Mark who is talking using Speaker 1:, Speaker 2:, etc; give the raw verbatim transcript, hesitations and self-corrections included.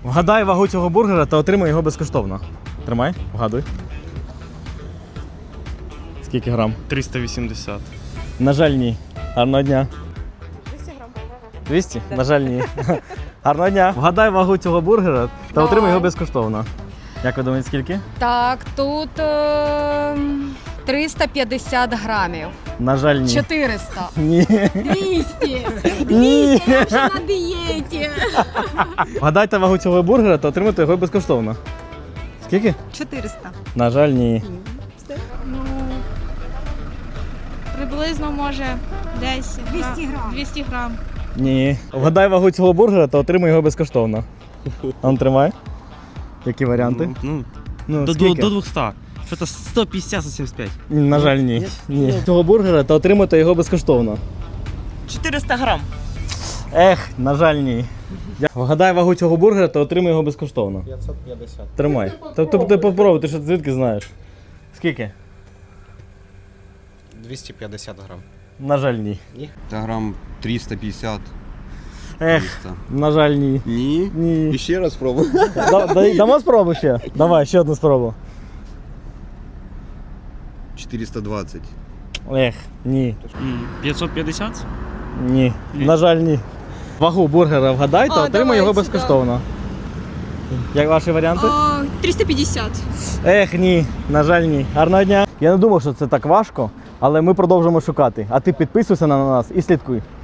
Speaker 1: Вгадай вагу цього бургера та отримай його безкоштовно. Тримай, вгадуй. Скільки грам?
Speaker 2: триста вісімдесят.
Speaker 1: На жаль, ні. Гарного дня.
Speaker 3: двісті грам.
Speaker 1: двісті? На жаль, ні. Гарного дня. Вгадай вагу цього бургера та отримай його безкоштовно. Як ви думаєте, скільки?
Speaker 3: Так, тут е, триста п'ятдесят грамів.
Speaker 1: На жаль, ні.
Speaker 3: чотириста.
Speaker 1: Ні.
Speaker 3: двісті.
Speaker 1: Ні.
Speaker 3: Я вже на дієті.
Speaker 1: Вгадайте вагу цього бургера та отримайте його безкоштовно. Скільки?
Speaker 3: чотириста.
Speaker 1: На жаль, ні.
Speaker 4: Ну, приблизно може десь
Speaker 3: двісті грам.
Speaker 4: двісті грам.
Speaker 1: Ні. Вгадай вагу цього бургера та отримай його безкоштовно. А ну, тримай. Які варіанти?
Speaker 2: Ну,
Speaker 1: Ну,
Speaker 2: до, до,
Speaker 1: скільки?
Speaker 2: до двухсот. Что-то сто пятьдесят - сто семьдесят пять.
Speaker 1: На жаль, ні. Ні. Цього бургера та отримати його безкоштовно.
Speaker 2: четыреста грамм.
Speaker 1: Ех, на жаль, ні. Вгадай вагу цього бургера та отримай його безкоштовно.
Speaker 5: п'ятсот п'ятдесят.
Speaker 1: Тримай. Тобто ти попробуй, ти що звідки знаєш? Скільки?
Speaker 5: двісті п'ятдесят грам.
Speaker 1: На жаль, ні.
Speaker 6: Та грам триста п'ятдесят.
Speaker 1: Ех,
Speaker 6: триста.
Speaker 1: на жаль, ні.
Speaker 6: Ні.
Speaker 1: Ні.
Speaker 6: І ще раз спробуй.
Speaker 1: Да- да- Дамо спробу ще? Давай, ще одну спробу.
Speaker 6: чотириста двадцять.
Speaker 1: Ех, ні.
Speaker 2: пятьсот пятьдесят?
Speaker 1: Ні. На жаль, ні. Вагу бургера вгадай та
Speaker 3: А,
Speaker 1: отримай його
Speaker 3: давайте,
Speaker 1: безкоштовно. Як ваші варіанти?
Speaker 3: триста п'ятдесят.
Speaker 1: Ех, ні, на жаль, ні. Гарного дня. Я не думав, що це так важко, але ми продовжимо шукати. А ти підписуйся на нас і слідкуй.